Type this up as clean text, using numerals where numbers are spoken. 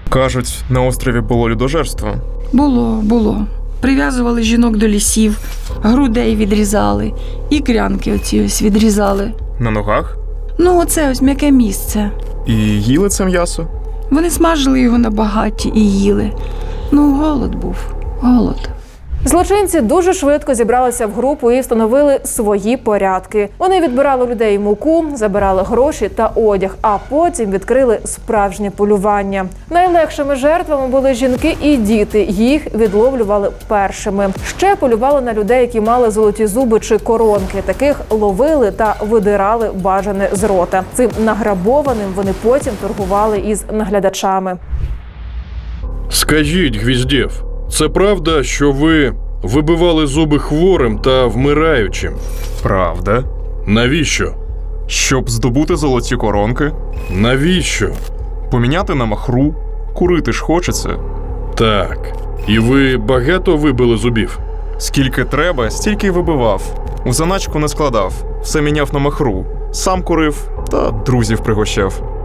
Кажуть, на острові було людожерство. Було. Прив'язували жінок до лісів, грудей відрізали, і крянки оці ось відрізали. На ногах? Ну, оце ось м'яке місце. І їли це м'ясо? Вони смажили його на багатті і їли. Ну, голод був. Голод. Злочинці дуже швидко зібралися в групу і встановили свої порядки. Вони відбирали у людей муку, забирали гроші та одяг, а потім відкрили справжнє полювання. Найлегшими жертвами були жінки і діти. Їх відловлювали першими. Ще полювали на людей, які мали золоті зуби чи коронки. Таких ловили та видирали бажане з рота. Цим награбованим вони потім торгували із наглядачами. Скажіть, Гвіздєв, це правда, що ви вибивали зуби хворим та вмираючим? Правда. Навіщо? Щоб здобути золоті коронки, Навіщо? поміняти на махру, курити ж хочеться. Так. І ви багато вибили зубів? Скільки треба, стільки й вибивав. У заначку не складав, все міняв на махру. Сам курив та друзів пригощав.